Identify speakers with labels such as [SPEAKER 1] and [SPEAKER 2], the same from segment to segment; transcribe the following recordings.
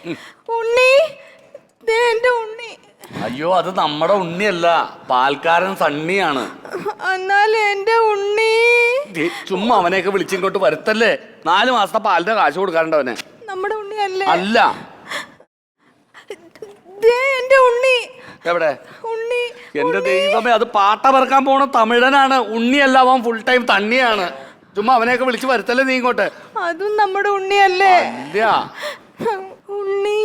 [SPEAKER 1] ഉണ്ണി, ദേ എന്റെ ഉണ്ണി.
[SPEAKER 2] അയ്യോ, അത് നമ്മുടെ ഉണ്ണിയല്ല, പാൽക്കാരൻ സണ്ണിയാണ്.
[SPEAKER 1] എന്നാലും എന്റെ ഉണ്ണി.
[SPEAKER 2] ചുമ്മാ അവനെയൊക്കെ വിളിച്ചിങ്ങോട്ട് വരുത്തല്ലേ. 4 മാസത്തെ പാലിന്റെ കാശ് കൊടുക്കാറുണ്ട് അവനെ.
[SPEAKER 1] നമ്മുടെ ഉണ്ണി അല്ലേ?
[SPEAKER 2] അല്ല.
[SPEAKER 1] ദേ എന്റെ ഉണ്ണി.
[SPEAKER 2] എവിടെ
[SPEAKER 1] ഉണ്ണി?
[SPEAKER 2] എന്റെ ദൈവമേ, അത് പാട്ട പറക്കാൻ പോണ തമിഴനാണ്. ഉണ്ണിയല്ല, അവൻ ഫുൾ ടൈം തണ്ണിയാണ്. ചുമ്മാ അവനെയൊക്കെ വിളിച്ച് വരുത്തല്ലേ നീ ഇങ്ങോട്ട്.
[SPEAKER 1] അതും നമ്മുടെ ഉണ്ണിയല്ലേ?
[SPEAKER 2] ഇല്ല.
[SPEAKER 1] ഉണ്ണി,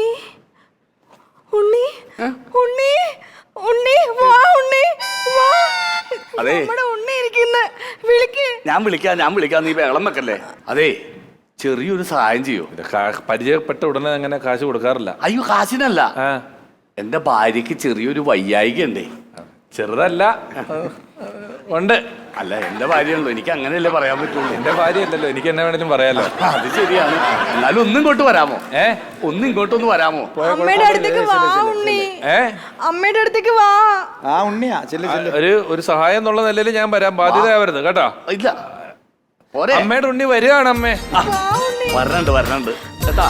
[SPEAKER 1] ഉണ്ണി, ഉണ്ണി, ഉണ്ണി, വാ ഉണ്ണി, വാ.
[SPEAKER 2] അതെ,
[SPEAKER 1] നമ്മുടെ ഉണ്ണി ഇരിക്കുന്ന. വിളിക്ക്.
[SPEAKER 2] ഞാൻ വിളിക്കാം, നീ ബഹളം വെക്കല്ലേ. അതെ, ചെറിയൊരു സഹായം ചെയ്യോ?
[SPEAKER 3] പരിചയപ്പെട്ട ഉടനെ അങ്ങനെ കാശ് കൊടുക്കാറില്ല.
[SPEAKER 2] അയ്യോ, കാശിനല്ല, എന്റെ ഭാര്യക്ക് ചെറിയൊരു വയ്യായിക ഉണ്ടേ.
[SPEAKER 3] ചെറുതല്ല, ഉണ്ട്.
[SPEAKER 2] അല്ല, എന്റെ ഭാര്യയാണല്ലോ, എനിക്ക് അങ്ങനെയല്ലേ പറയാൻ പറ്റുള്ളൂ.
[SPEAKER 3] എന്റെ ഭാര്യയല്ലല്ലോ, എനിക്ക് എന്നെ വേണേലും പറയാലോ.
[SPEAKER 2] അത് ശരിയാണ്. എന്നാലും ഒന്നും ഇങ്ങോട്ട് വരാമോ? ഒന്നും ഇങ്ങോട്ടൊന്ന് വരാമോ?
[SPEAKER 1] അമ്മയുടെ അടുത്തേക്ക് വാ ഉണ്ണി. അമ്മയുടെ അടുത്തേക്ക് വാ.
[SPEAKER 4] ആ ഉണ്ണിയാ,
[SPEAKER 3] ഒരു സഹായം എന്നുള്ള നിലയിൽ ഞാൻ വരാൻ ബാധ്യതയാവരുത് കേട്ടോ.
[SPEAKER 2] ഇല്ല,
[SPEAKER 3] അമ്മയുടെ ഉണ്ണി വരികയാണ്. അമ്മേ
[SPEAKER 2] വരണുണ്ട് കേട്ടാ.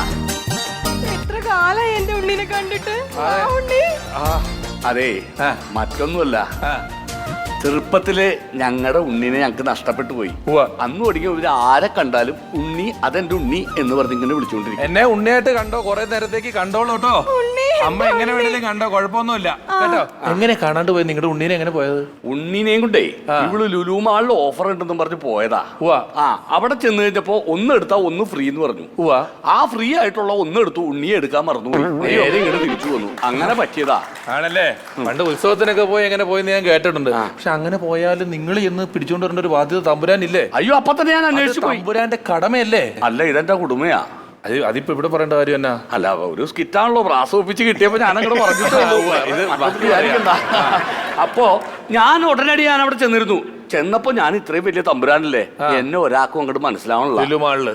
[SPEAKER 1] എത്ര കാലായി എന്റെ ഉണ്ണിനെ കണ്ടിട്ട്. ഉണ്ണി.
[SPEAKER 2] അതെ, മറ്റൊന്നുമല്ല, ചെറുപ്പത്തില് ഞങ്ങളുടെ ഉണ്ണിനെ ഞങ്ങക്ക് നഷ്ടപ്പെട്ടു പോയി. അന്ന് തുടങ്ങി ഇവര് ആരെ കണ്ടാലും ഉണ്ണി, അതെന്റെ ഉണ്ണി എന്ന് പറഞ്ഞ് ഇങ്ങനെ വിളിച്ചോണ്ടിരിക്കും.
[SPEAKER 3] എന്നെ ഉണ്ണിയായിട്ട് കണ്ടോ, കൊറേ നേരത്തേക്ക് കണ്ടോളൂ കേട്ടോ. അമ്മ എങ്ങനെ വേണേലും കണ്ടോ, കുഴപ്പമൊന്നുമില്ല കേട്ടോ. എങ്ങനെ കാണാണ്ട് പോയത്? നിങ്ങളുടെ ഉണ്ണീനെ എങ്ങനെ പോയത്?
[SPEAKER 2] ഉണ്ണീനെയും കൊണ്ടേ ഇവള് ലുലു മാളിൽ ഓഫർ ഉണ്ടെന്നും പറഞ്ഞ് പോയതാ. അവിടെ ചെന്ന് കഴിഞ്ഞപ്പോ ഒന്ന് എടുത്താ ഒന്ന് ഫ്രീ എന്ന് പറഞ്ഞു. ആ ഫ്രീ ആയിട്ടുള്ള ഒന്ന് എടുത്തു, ഉണ്ണിയെ എടുക്കാൻ മറന്നുപോയി. നേരെ ഇങ്ങനെ തിരിച്ചു വന്നു. അങ്ങനെ പറ്റിയതാ.
[SPEAKER 3] ആണല്ലേ? പണ്ട് ഉത്സവത്തിനൊക്കെ പോയി എങ്ങനെ പോയെന്ന് ഞാൻ കേട്ടിട്ടുണ്ട്. പക്ഷെ അങ്ങനെ പോയാലും നിങ്ങൾ ഇന്ന് പിടിച്ചോണ്ട് വരേണ്ട ഒരു ബാധ്യത തമ്പുരാനില്ലേ?
[SPEAKER 2] അയ്യോ, അപ്പൊ തന്നെ ഞാൻ അന്വേഷിച്ചു.
[SPEAKER 3] തമ്പുരാന്റെ കടമയല്ലേ?
[SPEAKER 2] അല്ല, ഇതെന്റെ കുടുംബയാ.
[SPEAKER 3] അതിപ്പോ ഇവിടെ പറയേണ്ട കാര്യം എന്നാ?
[SPEAKER 2] അല്ല, ഒരു സ്കിറ്റാണല്ലോ, പ്രാസം ഒപ്പിച്ച് കിട്ടിയപ്പോ ഞാനങ്ങോട്ട് പറഞ്ഞിട്ടുണ്ടായിരിക്കണ്ട. അപ്പോ ഞാൻ ഉടനടി ഞാൻ അവിടെ ചെന്നിരുന്നു. ചെന്നപ്പോ ഞാൻ ഇത്രയും വലിയ തമ്പുരാനല്ലേ, എന്നെ ഒരാൾക്കും അങ്ങോട്ട് മനസ്സിലാവണല്ലോ.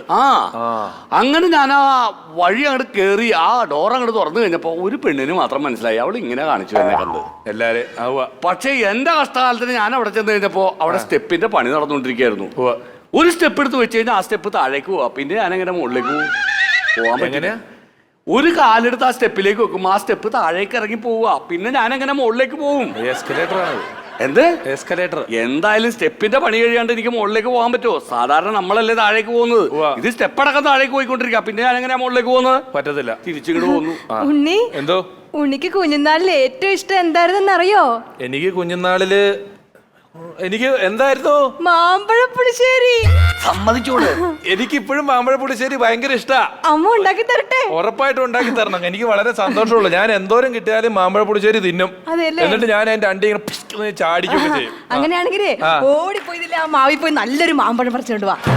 [SPEAKER 2] അങ്ങനെ ഞാൻ ആ വഴി അങ്ങോട്ട് കേറി ആ ഡോർ അങ്ങോട്ട് തുറന്നു കഴിഞ്ഞപ്പോ ഒരു പെണ്ണിന് മാത്രം മനസ്സിലായി. അവൾ ഇങ്ങനെ കാണിച്ചു എന്നെ കണ്ട്
[SPEAKER 3] എല്ലാരും.
[SPEAKER 2] പക്ഷെ എന്റെ കഷ്ടകാലത്തിന് ഞാൻ അവിടെ ചെന്ന് കഴിഞ്ഞപ്പോ അവിടെ സ്റ്റെപ്പിന്റെ പണി നടന്നുകൊണ്ടിരിക്കുകയായിരുന്നു. ഒരു സ്റ്റെപ്പ് എടുത്ത് വെച്ച് കഴിഞ്ഞാൽ ആ സ്റ്റെപ്പ് താഴേക്ക് പോവാ. പിന്നെ ഞാൻ എങ്ങനെ മുകളിലേക്ക് പോവാൻ പറ്റില്ല. ഒരു കാലെടുത്ത് ആ സ്റ്റെപ്പിലേക്ക് വെക്കും, ആ സ്റ്റെപ്പ് താഴേക്ക് ഇറങ്ങി പോവുക. പിന്നെ ഞാൻ എങ്ങനെ മുകളിലേക്ക് പോവും?
[SPEAKER 3] എസ്കലേറ്റർ ആണ്.
[SPEAKER 2] എന്ത്
[SPEAKER 3] എസ്കലേറ്റർ?
[SPEAKER 2] എന്തായാലും സ്റ്റെപ്പിന്റെ പണി കഴിയാണ്ട് എനിക്ക് മുകളിലേക്ക് പോകാൻ പറ്റുമോ? സാധാരണ നമ്മളല്ലേ താഴേക്ക് പോകുന്നത്. ഇത് സ്റ്റെപ്പ് അടക്കം താഴേക്ക് പോയിക്കൊണ്ടിരിക്കുക. പിന്നെ ഞാൻ എങ്ങനെ മുകളിലേക്ക് പോകുന്നത്?
[SPEAKER 3] പറ്റത്തില്ല.
[SPEAKER 2] തിരിച്ചിങ്ങോട്ട് പോകുന്നു.
[SPEAKER 1] ഉണ്ണി,
[SPEAKER 3] എന്തോ?
[SPEAKER 1] ഉണ്ണിക്ക് കുഞ്ഞുനാളിൽ ഏറ്റവും ഇഷ്ടം എന്തായിരുന്നെന്ന് അറിയോ?
[SPEAKER 3] എനിക്ക് കുഞ്ഞുനാളില് എനിക്ക് എന്തായിരുന്നു?
[SPEAKER 1] മാമ്പഴപ്പുളിശ്ശേരി.
[SPEAKER 2] സമ്മതിച്ചോളൂ,
[SPEAKER 3] എനിക്ക് ഇപ്പോഴും മാമ്പഴപ്പുളിശ്ശേരി ഭയങ്കര ഇഷ്ടാ.
[SPEAKER 1] അമ്മ ഉണ്ടാക്കി തരട്ടെ?
[SPEAKER 3] ഉറപ്പായിട്ടും ഉണ്ടാക്കി തരണം. എനിക്ക് വളരെ സന്തോഷമുള്ളൂ. ഞാൻ എന്തോരം കിട്ടിയാലും മാമ്പഴപ്പുളിശ്ശേരി തിന്നും. എന്നിട്ട് ഞാൻ അതിന്റെ അണ്ടി ഇങ്ങനെ ചാടിക്കുകയൊക്കെ ചെയ്യും.
[SPEAKER 1] അങ്ങനെയാണെങ്കിലേ ഓടിപ്പോയില്ല, ആ മാവി പോയി നല്ലൊരു മാമ്പഴം പറിച്ചോണ്ട് വാ.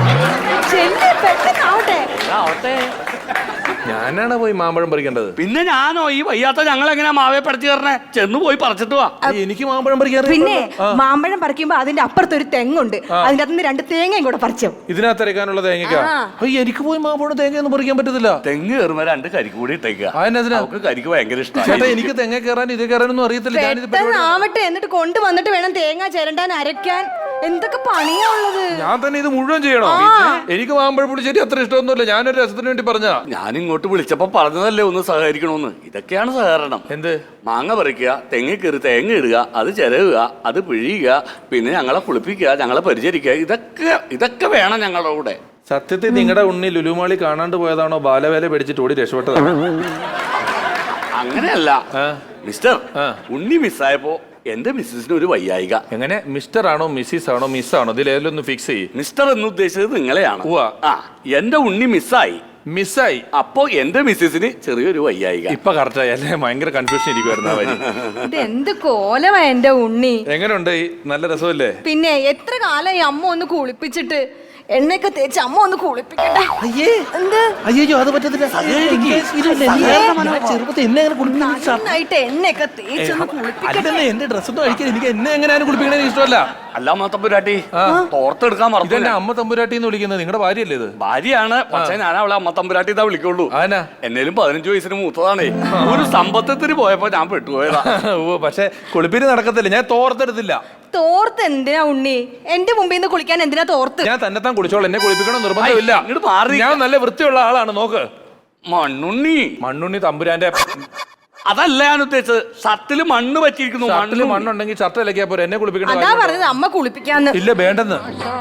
[SPEAKER 1] പെട്ടെന്നാവട്ടെ.
[SPEAKER 3] ഞാനാണ് പോയി മാമ്പഴം പറിക്കേണ്ടത്.
[SPEAKER 2] പിന്നെ ഞാനോ? ഈ വയ്യാത്ത ഞങ്ങൾ എങ്ങനെയാ മാവേ പറിച്ചു തരണേ? ചെന്ന് പോയി പറിച്ചിട്ട് വാ.
[SPEAKER 3] എനിക്ക് മാമ്പഴം പറിക്കാൻ.
[SPEAKER 1] പിന്നെ മാമ്പഴം പറിക്കുമ്പോ അതിന്റെ അപ്പുറത്ത് ഒരു തെങ്ങുണ്ട്, അതിന്റെ അകത്ത് 2 തേങ്ങയും കൂടെ പറിച്ചോ.
[SPEAKER 3] ഇതിനകത്ത് അരക്കാനുള്ള തേങ്ങ? എനിക്ക് പോയി മാമ്പഴം തേങ്ങയൊന്നും പറിക്കാൻ പറ്റത്തില്ല.
[SPEAKER 2] തെങ്ങ് കയറുമ്പോ 2 കരിക്ക് കൂടി ഇട്ടേക്കുക.
[SPEAKER 3] അതിനകത്ത്
[SPEAKER 2] കരിക്ക് ഭയങ്കര ഇഷ്ടം.
[SPEAKER 3] ചേട്ടാ, എനിക്ക് തെങ്ങ കയറാൻ ഇത് കയറാനൊന്നും അറിയത്തില്ല.
[SPEAKER 1] ആവട്ടെ, എന്നിട്ട് കൊണ്ടുവന്നിട്ട് വേണം തേങ്ങ ചിരണ്ടാൻ, അരയ്ക്കാൻ. എന്തൊക്കെ പണിയാ ഉള്ളത്?
[SPEAKER 3] ഞാൻ തന്നെ ഇത് മുഴുവൻ ചെയ്യണോ? എനിക്ക് മാമ്പഴപ്പുളിശ്ശേരി അത്ര ഇഷ്ടമൊന്നുമില്ല. ഞാനൊരു രസത്തിന് വേണ്ടി പറഞ്ഞാ.
[SPEAKER 2] ഞാൻ ഇങ്ങോട്ട് വിളിച്ചപ്പോ പറഞ്ഞതല്ലേ ഒന്ന് സഹകരിക്കണോന്ന്. ഇതൊക്കെയാണ് സഹകരണം.
[SPEAKER 3] എന്ത്?
[SPEAKER 2] മാങ്ങ പറിക്കുക, തെങ്ങ് കയറി തേങ്ങ ഇടുക, അത് ചിരവുക, അത് പിഴിയുക, പിന്നെ ഞങ്ങളെ കുളിപ്പിക്കുക, ഞങ്ങളെ പരിചരിക്കുക. ഇതൊക്കെ വേണം ഞങ്ങളുടെ കൂടെ.
[SPEAKER 3] സത്യത്തിൽ നിങ്ങളുടെ ഉണ്ണി ലുലുമാളി കാണാണ്ട് പോയതാണോ ബാലവേല പിടിച്ചിട്ട് ഓടി രക്ഷപ്പെട്ടതാണോ?
[SPEAKER 2] അങ്ങനെയല്ല മിസ്റ്റർ. ഉണ്ണി മിസ്സായപ്പോ എന്റെ മിസ്സിന് ഒരു വയ്യായിക.
[SPEAKER 3] എങ്ങനെ? മിസ്റ്റർ ആണോ മിസ്സിസ് ആണോ മിസ്സാണോ? ഇതിലേലൊന്ന് ഫിക്സ് ചെയ്യും.
[SPEAKER 2] മിസ്റ്റർ എന്ന് ഉദ്ദേശിച്ചത് നിങ്ങളെയാണ്. എന്റെ ഉണ്ണി മിസ്സായി. അപ്പോ എന്റെ മിസ്സിന് ചെറിയൊരു വയ്യായിക.
[SPEAKER 3] ഇപ്പൊ കറക്റ്റായി അല്ലേ? ഭയങ്കര കൺഫ്യൂഷൻ ഇരിക്കുവായിരുന്നു.
[SPEAKER 1] ഇത് എന്ത് കോലമാ എന്റെ ഉണ്ണി.
[SPEAKER 3] എങ്ങനെയുണ്ട്? നല്ല രസമല്ലേ?
[SPEAKER 1] പിന്നെ എത്ര കാലമായി അമ്മ ഒന്ന് കുളിപ്പിച്ചിട്ട്, എണ്ണയൊക്കെ തേച്ച് അമ്മ ഒന്ന് കുളിപ്പിക്കട്ടെ.
[SPEAKER 3] അയ്യോ, അത് പറ്റത്തില്ല.
[SPEAKER 1] നന്നായിട്ട് എണ്ണയൊക്കെ തേച്ചൊന്ന് കുളിപ്പിക്കട്ടെ.
[SPEAKER 3] എന്റെ ഡ്രസ്സൊന്നും അഴിക്കാൻ എനിക്ക് എന്നെ എങ്ങനെയാണ് കുളിപ്പിക്കണേ ഇഷ്ടമല്ല.
[SPEAKER 2] അല്ല തമ്പുരാട്ടി, തോർത്തെടുക്കാൻ മറന്നു.
[SPEAKER 3] എന്റെ അമ്മ തമ്പുരാട്ടി എന്ന് വിളിക്കുന്നത് നിങ്ങളുടെ ഭാര്യയല്ലേ? ഇത്
[SPEAKER 2] ഭാര്യയാണ്, പക്ഷെ ഞാൻ അവളെ അമ്മ തമ്പുരാട്ടി ഇതാ വിളിക്കുള്ളൂ. എന്നേലും 15 വയസ്സിന് മൂത്തതാണേ. ഒരു സമ്പത്തത്തിന് പോയപ്പോ ഞാൻ പെട്ടുപോയതാ.
[SPEAKER 3] പക്ഷെ കുളിപ്പിന് നടക്കത്തില്ല. ഞാൻ തോർത്തെടുത്തില്ല.
[SPEAKER 1] തോർത്ത് എന്തിനാ ഉണ്ണി? എന്റെ മുമ്പിൽ നിന്ന് കുളിക്കാൻ എന്തിനാ തോർത്ത്?
[SPEAKER 3] ഞാൻ തന്നെത്താൻ കുളിച്ചോളൂ. എന്നെ കുളിപ്പിക്കണം നിർബന്ധമില്ല. ഞാൻ നല്ല വൃത്തിയുള്ള ആളാണ്. നോക്ക്,
[SPEAKER 2] മണ്ണുണ്ണി.
[SPEAKER 3] മണ്ണുണ്ണി തമ്പുരാന്റെ.
[SPEAKER 2] അതല്ല ഞാൻ ഉദ്ദേശിച്ചത്. ഷർട്ടില് മണ്ണ് പറ്റിയിരിക്കുന്നു.
[SPEAKER 3] ഷർട്ടില് മണ്ണുണ്ടെങ്കിൽ ഷർട്ട് ഇലക്കിയാ പോരെ, എന്നെ കുളിപ്പിക്കണ്ട
[SPEAKER 1] അതാ പറഞ്ഞത് അമ്മ കുളിപ്പിക്കാന്ന്.
[SPEAKER 3] ഇല്ല, വേണ്ടെന്ന്.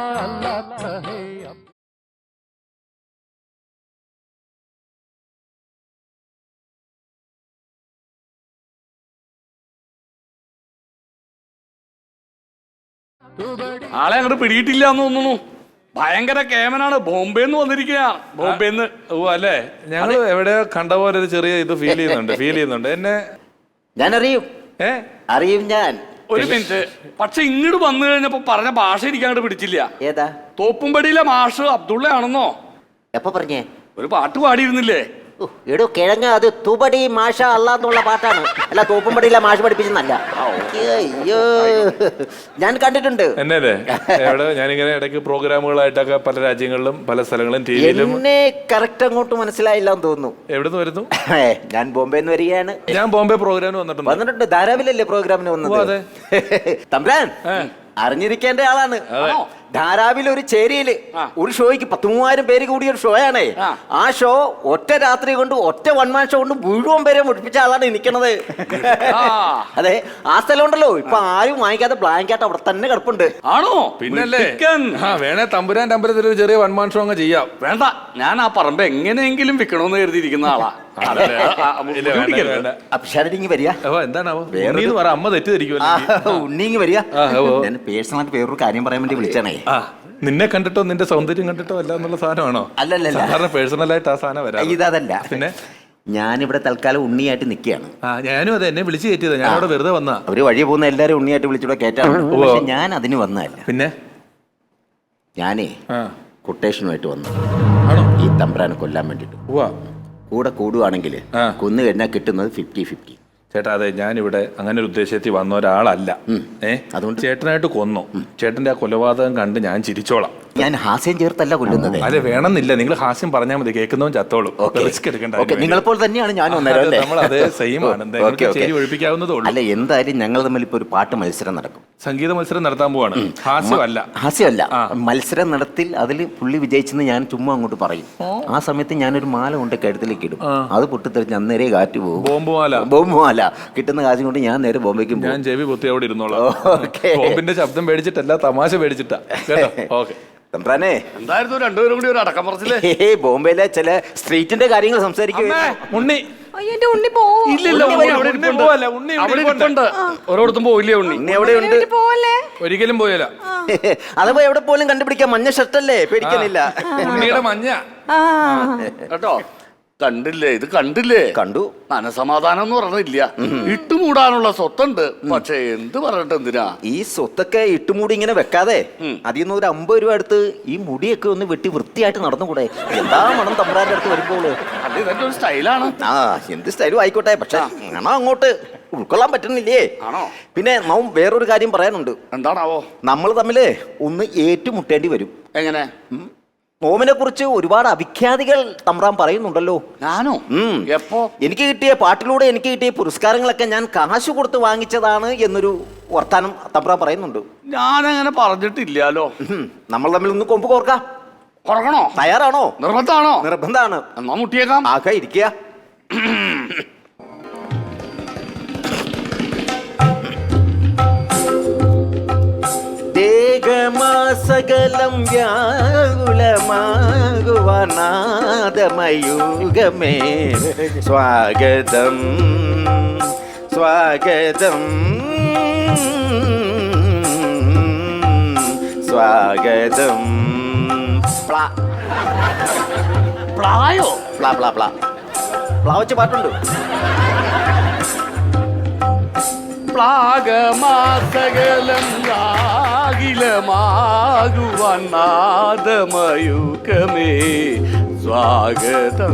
[SPEAKER 2] ആളെ അങ്ങോട്ട് പിടിയിട്ടില്ല എന്ന് തോന്നുന്നു. ഭയങ്കര കേമനാണ്. ബോംബെന്ന് വന്നിരിക്കുക. ബോംബെന്ന്.
[SPEAKER 3] ഓ അല്ലേ, ഞങ്ങൾ എവിടെയോ കണ്ട പോലെ ഒരു ചെറിയ ഇത് ഫീൽ ചെയ്യുന്നുണ്ട് എന്നെ.
[SPEAKER 4] ഞാൻ അറിയും, അറിയും ഞാൻ.
[SPEAKER 2] ഒരു മിനിറ്റ്. പക്ഷെ ഇങ്ങോട്ട് വന്നു കഴിഞ്ഞപ്പോ പറഞ്ഞ ഭാഷ എനിക്ക് അങ്ങോട്ട് പിടിച്ചില്ല.
[SPEAKER 4] ഏതാ?
[SPEAKER 2] തോപ്പുംപടിയിലെ മാഷ് അബ്ദുള്ള ആണെന്നോ?
[SPEAKER 4] എപ്പോ പറഞ്ഞേ?
[SPEAKER 2] ഒരു പാട്ട് പാടിയിരുന്നില്ലേ?
[SPEAKER 4] എടോ കിഴങ്ങ, അത് തുപടി മാഷ അല്ലാന്നുള്ള പാട്ടാണ്. അല്ല, തോപ്പുംപടിയിലെ മാഷ് പഠിപ്പിച്ചെന്നല്ല. അയ്യോ, ഞാൻ കണ്ടിട്ടുണ്ട്.
[SPEAKER 3] എന്നല്ലേ എവിടെ ഞാനിങ്ങനെ ഇടയ്ക്ക് പ്രോഗ്രാമുകളായിട്ടൊക്കെ പല രാജ്യങ്ങളിലും പല സ്ഥലങ്ങളും ടിവിയിലും.
[SPEAKER 4] എന്നെ കറക്റ്റ് അങ്ങോട്ട് മനസ്സിലായില്ല എന്ന് തോന്നുന്നു.
[SPEAKER 3] എവിടുന്ന് വരുന്നു?
[SPEAKER 4] ഞാൻ ബോംബെന്ന് വരികയാണ്.
[SPEAKER 3] ഞാൻ ബോംബെ പ്രോഗ്രാമിന് വന്നിട്ടുണ്ട്.
[SPEAKER 4] ധാരാവിലല്ലേ പ്രോഗ്രാമിന് വന്നത്? തമ്പ്രാൻ അറിഞ്ഞിരിക്കേണ്ട ആളാണ്. ധാരാവിൽ ഒരു ചേരിയില് ഒരു ഷോയ്ക്ക് 10,000 പേര് കൂടിയ ഒരു ഷോ ആണേ. ആ ഷോ ഒറ്റ രാത്രി കൊണ്ട്, ഒറ്റ വൺമാൻ ഷോ കൊണ്ട് മുഴുവൻ പേരെ മുടിപ്പിച്ച ആളാണ് നിൽക്കണത്. അതെ, ആ സ്ഥലം ഉണ്ടല്ലോ, ഇപ്പൊ ആരും വാങ്ങിക്കാതെ ബ്ലാങ്കറ്റ് അവിടെ തന്നെ കിടപ്പുണ്ട്.
[SPEAKER 2] ആണോ?
[SPEAKER 3] പിന്നല്ലേ. വേണേ തമ്പുരാന്റെ അമ്പലത്തിൽ ഒരു ചെറിയ വൺമാൻ ഷോ അങ്ങ് ചെയ്യാം.
[SPEAKER 2] വേണ്ട, ഞാൻ ആ പറമ്പ് എങ്ങനെയെങ്കിലും വിൽക്കണമെന്ന് കരുതിയിരിക്കുന്ന ആളാ.
[SPEAKER 4] അപ്ഷാരിങ് വരിക.
[SPEAKER 3] എന്താണാവോ അമ്മ തെറ്റിദ്ധരിക്കുമല്ലോ.
[SPEAKER 4] ഉണ്ണിങ് വരിക. ഞാൻ പേഴ്സണലായിട്ട് വേറൊരു കാര്യം പറയാൻ വേണ്ടി വിളിച്ചാണേ.
[SPEAKER 3] നിന്നെ കണ്ടിട്ടോ നിന്റെ സൗന്ദര്യം കണ്ടിട്ടോ അല്ല എന്നുള്ള സാധനമാണോ?
[SPEAKER 4] അല്ലല്ല,
[SPEAKER 3] സാധാരണ പേഴ്സണലായിട്ട് ആ സാധനം വരാം.
[SPEAKER 4] ഇതല്ല.
[SPEAKER 3] പിന്നെ
[SPEAKER 4] ഞാനിവിടെ തൽക്കാലം ഉണ്ണിയായിട്ട് നിൽക്കുകയാണ്.
[SPEAKER 3] ഞാനും അതെ, എന്നെ വിളിച്ചു കയറ്റിയതാ. ഞാൻ അവിടെ വെറുതെ വന്നാ.
[SPEAKER 4] അവര് വഴി പോകുന്ന എല്ലാരും ഉണ്ണിയായിട്ട് വിളിച്ചിവിടെ കയറ്റാണ്. പക്ഷെ ഞാൻ അതിന് വന്നതല്ല.
[SPEAKER 3] പിന്നെ
[SPEAKER 4] ഞാനേ കൊട്ടേഷനുമായിട്ട് വന്നു.
[SPEAKER 3] ആണോ?
[SPEAKER 4] ഈ തമ്പ്രാനെ കൊല്ലാൻ വേണ്ടിട്ട്. കൂടെ കൂടുവാണെങ്കിൽ കൊന്നു കഴിഞ്ഞാൽ കിട്ടുന്നത് 50-50.
[SPEAKER 3] ചേട്ടാ, അതെ, ഞാനിവിടെ അങ്ങനെ ഒരു ഉദ്ദേശത്തിൽ വന്ന ഒരാളല്ല. അതുകൊണ്ട് ചേട്ടനായിട്ട് കൊന്നു. ചേട്ടന്റെ ആ കൊലപാതകം കണ്ട് ഞാൻ ചിരിച്ചോളാം.
[SPEAKER 4] ഞാൻ ഹാസ്യം ചേർത്തല്ല കൊല്ലുന്നത്.
[SPEAKER 3] അല്ലെ, വേണമെന്നില്ല. നിങ്ങൾ ഹാസ്യം പറഞ്ഞാൽ മതി, കേൾക്കുന്നവൻ ചത്തോളും. റിസ്ക് എടുക്കണ്ട.
[SPEAKER 4] നിങ്ങളെപ്പോൾ തന്നെയാണ് ഞാൻ
[SPEAKER 3] നമ്മൾ അതേ സെയിം ആണ്. ഒഴിപ്പിക്കാവുന്നതേ ഉള്ളൂ.
[SPEAKER 4] അല്ല, എന്തായാലും ഞങ്ങൾ തമ്മിൽ ഇപ്പൊ ഒരു പാട്ട് മത്സരം നടക്കും.
[SPEAKER 3] സംഗീത മത്സരം നടത്താൻ പോവാണ്. ഹാസ്യമല്ല,
[SPEAKER 4] മത്സരം നടത്തിൽ അതിൽ പുള്ളി വിജയിച്ചെന്ന് ഞാൻ ചുമ്മാ അങ്ങോട്ട് പറയും. ആ സമയത്ത് ഞാനൊരു മാല കൊണ്ട് കഴുത്തിലേക്ക് ഇടും. അത് പൊട്ടിത്തെറിച്ച് അന്നേരെ കാറ്റ് പോകും. ബോംബ് മാല. കിട്ടുന്ന കാശും കൊണ്ട് ഞാൻ നേരെ ബോംബേക്കും.
[SPEAKER 3] ഞാൻ ചെവി പൊത്തി അവിടെ ഇരുന്നോളാം. ബോംബിന്റെ ശബ്ദം പേടിച്ചിട്ടല്ല, തമാശ പേടിച്ചിട്ടാ. ഓക്കെ.
[SPEAKER 4] തമ്പ്രാനെ,
[SPEAKER 2] എന്തായിരുന്നു രണ്ടുപേരും കൂടി ഒരു അടക്കം പറച്ചില്ലേ?
[SPEAKER 4] ബോംബെയിലെ ചില സ്ട്രീറ്റിന്റെ കാര്യങ്ങൾ സംസാരിക്കും.
[SPEAKER 2] ഉണ്ണി
[SPEAKER 1] ഉണ്ണി പോവും.
[SPEAKER 2] ഓരോടത്തും പോയില്ലേ ഉണ്ണി?
[SPEAKER 4] എവിടെയുണ്ട്?
[SPEAKER 3] ഒരിക്കലും പോയല്ല.
[SPEAKER 4] അതപ്പോ എവിടെ പോലും കണ്ടുപിടിക്കാം. മഞ്ഞ ഷർട്ടല്ലേ, പേടിക്കുന്നില്ല.
[SPEAKER 3] ഉണ്ണിയുടെ മഞ്ഞ
[SPEAKER 2] കേട്ടോ. കണ്ടില്ലേ, ഇത് കണ്ടില്ലേ?
[SPEAKER 4] കണ്ടു.
[SPEAKER 2] മനസമാധാനം എന്ന് പറഞ്ഞില്ല. ഇട്ടുമൂടാനുള്ള സ്വത്തുണ്ട്. പക്ഷെ എന്ത് പറഞ്ഞിട്ട് എന്തിനാ
[SPEAKER 4] ഈ സ്വത്തൊക്കെ ഇട്ടുമൂടി ഇങ്ങനെ വെക്കാതെ അതിൽ നിന്ന് ഒരു 50 രൂപ എടുത്ത് ഈ മുടിയൊക്കെ ഒന്ന് വെട്ടി വൃത്തിയായിട്ട് നടന്നുകൂടെ? എന്താ മണം തമ്പ്രാന്റെ അടുത്ത് വരുമ്പോള്.
[SPEAKER 2] അത് ഇതൊക്കെ ഒരു സ്റ്റൈലാണ്.
[SPEAKER 4] എന്ത് സ്റ്റൈലും ആയിക്കോട്ടെ, പക്ഷെ മണം അങ്ങോട്ട് ഉൾക്കൊള്ളാൻ പറ്റുന്നില്ലേ?
[SPEAKER 2] ആണോ?
[SPEAKER 4] പിന്നെ നാം വേറൊരു കാര്യം പറയാനുണ്ട്.
[SPEAKER 2] എന്താണാവോ?
[SPEAKER 4] നമ്മൾ തമ്മില് ഒന്ന് ഏറ്റുമുട്ടേണ്ടി വരും.
[SPEAKER 2] എങ്ങനെ?
[SPEAKER 4] നോമിനെ കുറിച്ച് ഒരുപാട് അവിഖ്യാതികൾ തമ്പ്രാൻ പറയുന്നുണ്ടല്ലോ.
[SPEAKER 2] ഞാനോ? എപ്പോ?
[SPEAKER 4] എനിക്ക് കിട്ടിയ പാട്ടിലൂടെ എനിക്ക് കിട്ടിയ പുരസ്കാരങ്ങളൊക്കെ ഞാൻ കാശ് കൊടുത്ത് വാങ്ങിച്ചതാണ് എന്നൊരു വർത്താനം തമ്പ്രാൻ പറയുന്നുണ്ട്.
[SPEAKER 2] ഞാനങ്ങനെ പറഞ്ഞിട്ടില്ലാലോ.
[SPEAKER 4] നമ്മൾ തമ്മിൽ ഒന്ന് കൊമ്പ് കോർക്കാം.
[SPEAKER 2] കൊറക്കണോ?
[SPEAKER 4] തയ്യാറാണോ?
[SPEAKER 2] നിർബന്ധാണോ?
[SPEAKER 4] നിർബന്ധാണ്.
[SPEAKER 2] എന്നാ മുട്ടിയേക്കാം.
[SPEAKER 4] ആകെ ഇരിക്കുക. സകലം വ്യാകുലമാകുവാനാദമയുഗമേ സ്വാഗതം സ്വാഗതം സ്വാഗതം.
[SPEAKER 2] പ്ലായോ?
[SPEAKER 4] പ്ലാ പ്ലാ പ്ലാ പ്ലാ വെച്ച് പാട്ടുണ്ട്.
[SPEAKER 2] പ്ലാഗമാസകലം നാദമയുഗമേ സ്വാഗതം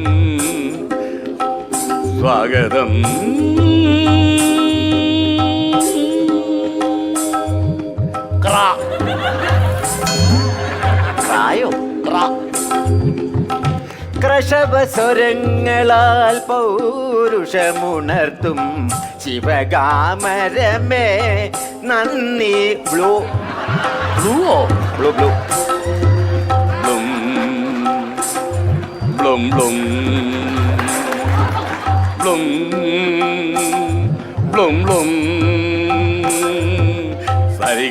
[SPEAKER 2] സ്വാഗതം.
[SPEAKER 4] കൃഷഭസ്വരങ്ങളാൽ പൗരുഷമുണർത്തും ശിവകാമരമേ നന്ദി. ബ്ലൂ
[SPEAKER 2] ബ്ലൂവോ?
[SPEAKER 4] ബ്ലൂ ബ്ലൂ
[SPEAKER 2] ബ്ലും ബ്ലും ബ്ലും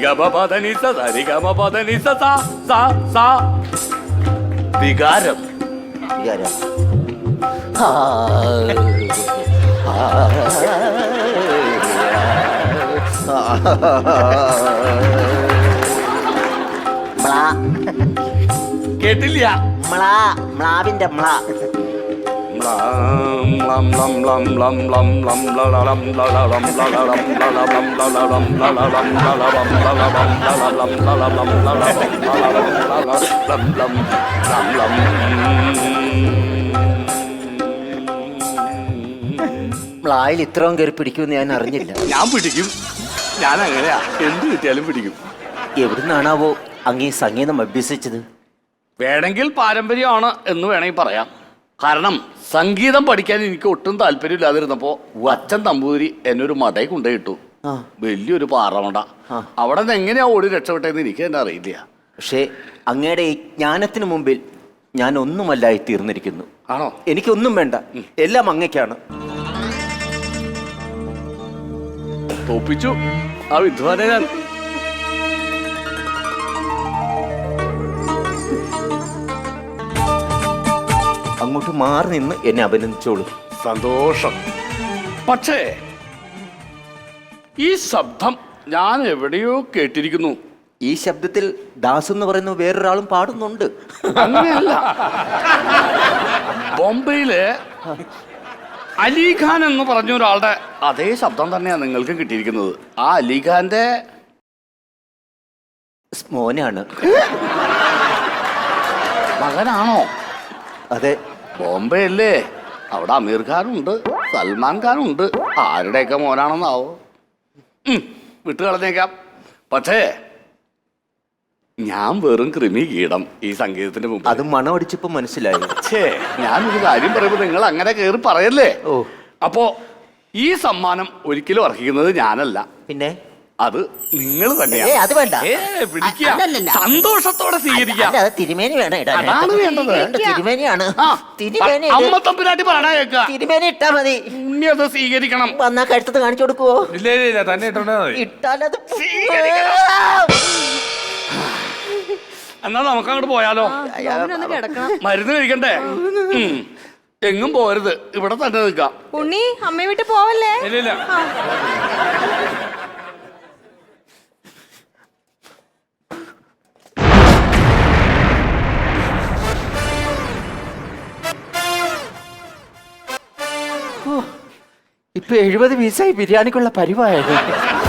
[SPEAKER 2] വികാരം.
[SPEAKER 4] വികാരം. മ്ലാ.
[SPEAKER 2] കേട്ടില്ല.
[SPEAKER 4] മ്ലാ. മ്ലാവിന്റെ മ്ലാ. മ്ലായിൽ ഇത്രയും കയറി പിടിക്കുമെന്ന് ഞാൻ അറിഞ്ഞില്ല.
[SPEAKER 2] ഞാൻ പിടിക്കും. ഞാൻ അങ്ങനെയാ, എന്ത് കിട്ടിയാലും പിടിക്കും.
[SPEAKER 4] എവിടുന്നാണാവോ അങ്ങീ സംഗീതം അഭ്യസിച്ചത്?
[SPEAKER 2] വേണമെങ്കിൽ പാരമ്പര്യമാണ് എന്ന് വേണമെങ്കിൽ പറയാം. കാരണം സംഗീതം പഠിക്കാൻ എനിക്ക് ഒട്ടും താല്പര്യമില്ലാതിരുന്നപ്പോ അച്ഛൻ നമ്പൂതിരി എന്നെ ഒരു മടയിൽ കൊണ്ടുപോയിട്ടു. വലിയൊരു പാറമട. അവിടെ നിന്ന് എങ്ങനെയാ ഓടി രക്ഷപ്പെട്ടെന്ന് എനിക്ക് തന്നെ അറിയില്ല.
[SPEAKER 4] പക്ഷേ അങ്ങയുടെ ഈ ജ്ഞാനത്തിന് മുമ്പിൽ ഞാൻ ഒന്നുമല്ലായി തീർന്നിരിക്കുന്നു.
[SPEAKER 2] ആണോ?
[SPEAKER 4] എനിക്കൊന്നും വേണ്ട, എല്ലാം അങ്ങയ്ക്കാണ്.
[SPEAKER 2] തോപ്പിച്ചു ആ വിദ്വാനെ ഞാൻ.
[SPEAKER 4] അങ്ങോട്ട് മാറി നിന്ന് എന്നെ അഭിനന്ദിച്ചോളൂ.
[SPEAKER 2] സന്തോഷം. പക്ഷേ ഈ ശബ്ദം ഞാൻ എവിടെയോ കേട്ടിരിക്കുന്നു.
[SPEAKER 4] ഈ ശബ്ദത്തിൽ ദാസ് എന്ന് പറയുന്ന വേറൊരാളും പാടുന്നുണ്ട്.
[SPEAKER 2] അങ്ങനെയല്ല, ബോംബെയില് അലിഖാൻ എന്ന് പറഞ്ഞ ഒരാളുടെ അതേ ശബ്ദം തന്നെയാണ് നിങ്ങൾക്ക് കിട്ടിയിരിക്കുന്നത്. ആ അലിഖാന്റെ
[SPEAKER 4] മോനാണ്.
[SPEAKER 2] മകനാണോ?
[SPEAKER 4] അതെ.
[SPEAKER 2] ബോംബെ അല്ലേ, അവിടെ അമീർ ഖാനുണ്ട്, സൽമാൻ ഖാനുണ്ട്. ആരുടെയൊക്കെ മോനാണെന്നാവോ? വിട്ടുകളഞ്ഞേക്കാം. പക്ഷേ ഞാൻ വെറും കൃമി കീടം ഈ സംഗീതത്തിന്റെ മുമ്പ്.
[SPEAKER 4] അത് മണമടിച്ചപ്പോ മനസ്സിലായി.
[SPEAKER 2] ഞാനൊരു കാര്യം പറയുമ്പോ നിങ്ങൾ അങ്ങനെ കയറി പറയല്ലേ.
[SPEAKER 4] ഓ,
[SPEAKER 2] അപ്പോ ഈ സമ്മാനം ഒരിക്കലും അർഹിക്കുന്നത് ഞാനല്ല,
[SPEAKER 4] പിന്നെ
[SPEAKER 2] അത് നിങ്ങൾ തന്നെയാ.
[SPEAKER 4] അത് വേണ്ട.
[SPEAKER 2] പിടിക്കുക,
[SPEAKER 4] അല്ലല്ലല്ല.
[SPEAKER 2] സന്തോഷത്തോടെ സ്വീകരിക്കാം.
[SPEAKER 4] അല്ല, അത് തിരുമേനി വേണം ഇടാൻ.
[SPEAKER 2] അതാണ് വേണ്ടത്.
[SPEAKER 4] തിരുമേനിയാണ്.
[SPEAKER 2] ആ,
[SPEAKER 4] തിരുമേനി
[SPEAKER 2] അമ്മ തമ്പുരാട്ടി പറഞ്ഞാ കേൾക്കുക.
[SPEAKER 4] തിരുമേനി ഇട്ടാ മതി.
[SPEAKER 2] ഉണ്ണി അത് സ്വീകരിക്കണം.
[SPEAKER 4] വന്നാ കഴുത്തത് കാണിച്ചു കൊടുക്കുവോ?
[SPEAKER 3] ഇല്ല ഇല്ല ഇല്ല, തന്നെ ഇട്ടോണ്ടാ മതി.
[SPEAKER 4] ഇട്ടാലത്
[SPEAKER 2] എന്നാ നമുക്ക് അങ്ങോട്ട് പോയാലോ?
[SPEAKER 1] ഒന്ന് കിടക്കണം.
[SPEAKER 2] മരുന്ന് കഴിക്കണ്ടേ? എങ്ങും പോരുത്, ഇവിടെ തന്നെ നിൽക്കാം.
[SPEAKER 1] ഉണ്ണി അമ്മയെ വിട്ട് പോവല്ലേ?
[SPEAKER 3] ഇല്ല ഇല്ല.
[SPEAKER 1] ആ.
[SPEAKER 4] ഇപ്പൊ 70 പീസായി ബിരിയാണിക്കുള്ള പരിവായത്.